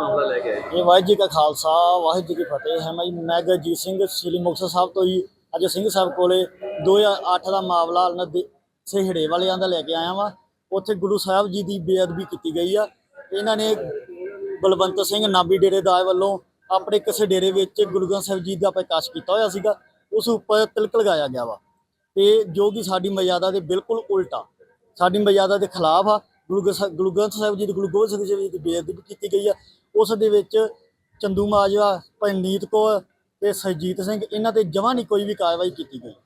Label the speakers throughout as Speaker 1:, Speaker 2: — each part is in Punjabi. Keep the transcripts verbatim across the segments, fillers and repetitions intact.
Speaker 1: ਮਾਮਲਾ ਲੈ ਕੇ ਆਏ ਜੀ?
Speaker 2: ਇਹ ਵਾਹਿਗੁਰੂ ਜੀ ਕਾ ਖਾਲਸਾ ਵਾਹਿਗੁਰੂ ਜੀ ਕੀ ਫਤਿਹ ਹੈ। ਮੈਂ ਜੀ ਮੈਂ ਗੁਰਜੀਤ ਸਿੰਘ ਸ੍ਰੀ ਮੁਕਤਸਰ ਸਾਹਿਬ ਤੋਂ ਜੀ ਅੱਜ ਸਿੰਘ ਸਾਹਿਬ ਕੋਲੇ ਦੋ ਹਜ਼ਾਰ ਅੱਠ ਦਾ ਮਾਮਲਾ ਨਦੀ ਸਿਹੜੇ ਵਾਲਿਆਂ ਦਾ ਲੈ ਕੇ ਆਇਆ ਵਾਂ। ਉੱਥੇ ਗੁਰੂ ਸਾਹਿਬ ਜੀ ਦੀ ਬੇਅਦਬੀ ਕੀਤੀ ਗਈ ਆ। ਇਹਨਾਂ ਨੇ ਬਲਵੰਤ ਸਿੰਘ ਨਾਭੀ ਡੇਰੇਦਾਰ ਵੱਲੋਂ ਆਪਣੇ ਕਿਸੇ ਡੇਰੇ ਵਿੱਚ ਗੁਰੂ ਗ੍ਰੰਥ ਸਾਹਿਬ ਜੀ ਦਾ ਪ੍ਰਕਾਸ਼ ਕੀਤਾ ਹੋਇਆ ਸੀਗਾ। ਉਸ ਉੱਪਰ ਤਿਲਕ ਲਗਾਇਆ ਗਿਆ ਵਾ ਤੇ ਜੋ ਕਿ ਸਾਡੀ ਮਰਿਆਦਾ ਦੇ ਬਿਲਕੁਲ ਉਲਟਾ, ਸਾਡੀ ਮਰਿਆਦਾ ਦੇ ਖਿਲਾਫ ਆ। ਗੁਰੂ ਗ੍ਰੰਥ ਗੁਰੂ ਗ੍ਰੰਥ ਸਾਹਿਬ ਜੀ ਦੀ ਗੁਰੂ ਗੋਬਿੰਦ ਸਿੰਘ ਜੀ ਦੀ ਬੇਅਦਬੀ ਕੀਤੀ ਗਈ ਆ। ਉਸ ਦੇ ਵਿੱਚ ਚੰਦੂ ਮਾਜਵਾ, ਪਰਨੀਤ ਕੌਰ ਤੇ ਸਰਜੀਤ ਸਿੰਘ, ਇਹਨਾਂ ਤੇ ਜਮਾਂ ਨਹੀਂ ਕੋਈ ਵੀ ਕਾਰਵਾਈ ਕੀਤੀ ਗਈ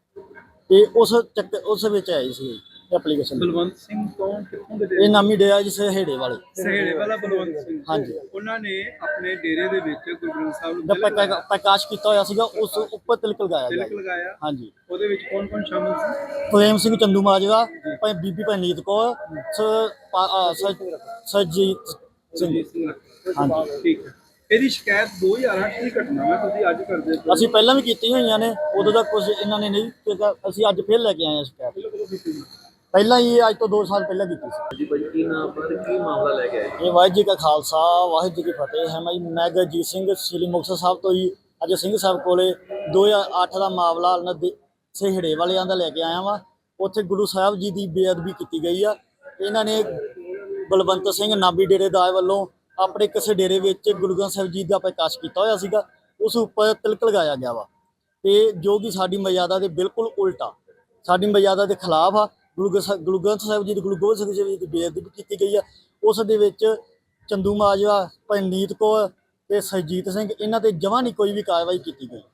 Speaker 2: ਤੇ ਉਸ ਚੱਕ ਉਸ ਵਿੱਚ ਆਈ ਸੀ ਐਪਲੀਕੇਸ਼ਨ।
Speaker 1: ਬਲਵੰਤ ਸਿੰਘ ਕੌਣ, ਕਿੱਥੋਂ ਦੇ?
Speaker 2: ਇਹ ਨਾਮੀ ਡੇਰਾ ਜੀ ਸਿਹੜੇ ਵਾਲੇ,
Speaker 1: ਸਿਹੜੇ ਵਾਲਾ ਬਲਵੰਤ ਸਿੰਘ।
Speaker 2: ਹਾਂਜੀ।
Speaker 1: ਉਹਨਾਂ ਨੇ ਆਪਣੇ ਡੇਰੇ ਦੇ ਵਿੱਚ ਗੁਰੂ ਗ੍ਰੰਥ ਸਾਹਿਬ ਨੂੰ
Speaker 2: ਦਾ
Speaker 1: ਤਿਲਕ
Speaker 2: ਪ੍ਰਕਾ- ਪ੍ਰਕਾਸ਼ ਕੀਤਾ ਹੋਇਆ ਸੀਗਾ। ਉਸ ਉੱਪਰ ਤਿਲਕ ਲਗਾਇਆ
Speaker 1: ਤਿਲਕ
Speaker 2: ਗਿਆ।
Speaker 1: ਲਗਾਇਆ।
Speaker 2: ਹਾਂਜੀ।
Speaker 1: ਉਹਦੇ ਵਿੱਚ ਕੌਣ ਕੌਣ ਸ਼ਾਮਲ ਸੀ?
Speaker 2: ਪ੍ਰੇਮ ਸਿੰਘ, ਚੰਦੂ ਮਾਜਵਾ, ਭਾਈ ਬੀਬੀ ਪਰਨੀਤ ਕੌਰ, ਸ- ਪਾ- ਅ, ਸ- ਸਰਜੀਤ ਸਿੰਘ। ਹਾਂਜੀ।
Speaker 1: ਠੀਕ ਹੈ। ਇਹਦੀ ਸ਼ਿਕਾਇਤ ਦੋ ਹਜ਼ਾਰ ਅੱਠ ਦੀ ਘਟਨਾ ਹੈ, ਤੁਸੀਂ ਅੱਜ ਕਰਦੇ ਹੋ?
Speaker 2: ਅਸੀਂ ਪਹਿਲਾਂ ਵੀ ਕੀਤੀਆਂ ਹੋਈਆਂ ਨੇ, ਉਦੋਂ ਦਾ ਕੁਝ ਇਹਨਾਂ ਨੇ ਨਹੀਂ ਕੀਤਾ। ਅਸੀਂ ਅੱਜ ਫਿਰ ਲੈ ਕੇ ਆਏ ਹਾਂ ਸ਼ਿਕਾਇਤ। ਪਹਿਲਾਂ ਹੀ ਅੱਜ ਤੋਂ ਦੋ ਸਾਲ ਪਹਿਲਾਂ ਕੀਤੀ ਸੀ
Speaker 1: ਜੀ। ਭਾਈ ਕੀ ਨਾਮ ਪਰ ਕੀ ਮਾਮਲਾ ਲੈ ਕੇ ਆਏ?
Speaker 2: ਇਹ ਵਾਹਿਗੁਰੂ ਜੀ ਕਾ ਖਾਲਸਾ ਵਾਹਿਗੁਰੂ ਜੀ ਕੀ ਫਤਿਹ ਹੈ। ਮੈਂ ਜੀ ਮੈਂ ਗੁਰਜੀਤ ਸਿੰਘ ਸ੍ਰੀ ਮੁਕਤਸਰ ਸਾਹਿਬ ਤੋਂ ਜੀ ਅੱਜ ਸਿੰਘ ਸਾਹਿਬ ਕੋਲੇ ਦੋ ਹਜ਼ਾਰ ਅੱਠ ਦਾ ਮਾਮਲਾ ਨਦੀ ਸਿਹੜੇ ਵਾਲਿਆਂ ਦਾ ਲੈ ਕੇ ਆਇਆ ਵਾਂ। ਉੱਥੇ ਗੁਰੂ ਸਾਹਿਬ ਜੀ ਦੀ ਬੇਅਦਬੀ ਕੀਤੀ ਗਈ ਆ। ਇਹਨਾਂ ਨੇ ਬਲਵੰਤ ਸਿੰਘ ਨਾਭੀ ਡੇਰੇਦਾਰ ਵੱਲੋਂ ਆਪਣੇ ਕਿਸੇ ਡੇਰੇ ਵਿੱਚ ਗੁਰੂ ਗ੍ਰੰਥ ਸਾਹਿਬ ਜੀ ਦਾ ਪ੍ਰਕਾਸ਼ ਕੀਤਾ ਹੋਇਆ ਸੀਗਾ। ਉਸ ਉੱਪਰ ਤਿਲਕ ਲਗਾਇਆ ਗਿਆ ਵਾ ਤੇ ਜੋ ਕਿ ਸਾਡੀ ਮਰਿਆਦਾ ਦੇ ਬਿਲਕੁਲ ਉਲਟਾ, ਸਾਡੀ ਮਰਿਆਦਾ ਦੇ ਖਿਲਾਫ ਆ। ਗੁਰੂ ਗ੍ਰੰਥ ਗੁਰੂ ਗ੍ਰੰਥ ਸਾਹਿਬ ਜੀ ਦੀ ਗੁਰੂ ਗੋਬਿੰਦ ਸਿੰਘ ਜੀ ਦੀ ਬੇਅਦਬੀ ਕੀਤੀ ਗਈ ਆ। ਉਸ ਦੇ ਵਿੱਚ ਚੰਦੂ ਮਾਜਵਾ, ਪਰਨੀਤ ਕੌਰ ਤੇ ਸਰਜੀਤ ਸਿੰਘ, ਇਹਨਾਂ ਤੇ ਜਮਾਂ ਨਹੀਂ ਕੋਈ ਵੀ ਕਾਰਵਾਈ ਕੀਤੀ ਗਈ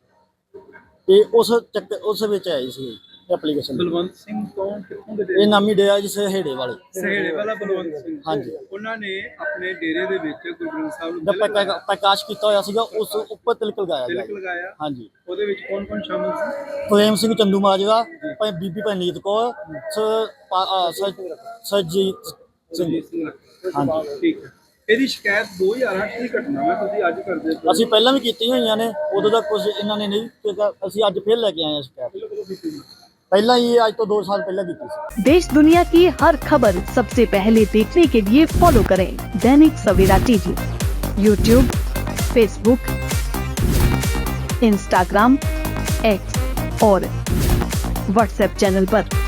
Speaker 2: ਤੇ ਉਸ ਚੱਕ ਉਸ ਵਿੱਚ ਆਈ ਸੀ ਐਪਲੀਕੇਸ਼ਨ।
Speaker 1: ਬਲਵੰਤ ਸਿੰਘ ਕੌਣ, ਕਿੱਥੋਂ ਦੇ?
Speaker 2: ਇਹ ਨਾਮੀ ਡੇਰਾ ਜੀ ਸਿਹੜੇ ਵਾਲੇ,
Speaker 1: ਸਿਹੜੇ ਵਾਲਾ ਬਲਵੰਤ ਸਿੰਘ।
Speaker 2: ਹਾਂਜੀ।
Speaker 1: ਉਹਨਾਂ ਨੇ ਆਪਣੇ ਡੇਰੇ ਦੇ ਵਿੱਚ ਗੁਰੂ ਗ੍ਰੰਥ ਸਾਹਿਬ ਨੂੰ
Speaker 2: ਦਾ
Speaker 1: ਤਿਲਕ
Speaker 2: ਪ੍ਰਕਾ- ਪ੍ਰਕਾਸ਼ ਕੀਤਾ ਹੋਇਆ ਸੀਗਾ। ਉਸ ਉੱਪਰ ਤਿਲਕ ਲਗਾਇਆ
Speaker 1: ਤਿਲਕ
Speaker 2: ਗਿਆ।
Speaker 1: ਲਗਾਇਆ।
Speaker 2: ਹਾਂਜੀ।
Speaker 1: ਉਹਦੇ ਵਿੱਚ ਕੌਣ ਕੌਣ ਸ਼ਾਮਲ ਸੀ?
Speaker 2: ਪ੍ਰੇਮ ਸਿੰਘ, ਚੰਦੂ ਮਾਜਵਾ, ਭਾਈ ਬੀਬੀ ਪਰਨੀਤ ਕੌਰ, ਸ- ਪਾ- ਅ, ਸ- ਸਰਜੀਤ ਸਿੰਘ। ਹਾਂਜੀ।
Speaker 1: ਠੀਕ ਹੈ। ਇਹਦੀ ਸ਼ਿਕਾਇਤ ਦੋ ਹਜ਼ਾਰ ਅੱਠ ਦੀ ਘਟਨਾ ਹੈ, ਤੁਸੀਂ ਅੱਜ ਕਰਦੇ ਹੋ?
Speaker 2: ਅਸੀਂ ਪਹਿਲਾਂ ਵੀ ਕੀਤੀਆਂ ਹੋਈਆਂ ਨੇ, ਉਦੋਂ ਦਾ ਕੁਝ ਇਹਨਾਂ ਨੇ ਨਹੀਂ ਕੀਤਾ। ਅਸੀਂ ਅੱਜ ਫਿਰ ਲੈ ਕੇ ਆਏ ਹਾਂ ਸ਼ਿਕਾਇਤ। ਪਹਿਲਾਂ ਹੀ ਅੱਜ ਤੋਂ ਦੋ ਸਾਲ ਪਹਿਲਾਂ ਕੀਤੀ ਸੀ।
Speaker 3: देश दुनिया की हर खबर सबसे पहले देखने के लिए फॉलो करें Dainik Savera TV, YouTube, Facebook, Instagram, X और व्हाट्सएप चैनल पर।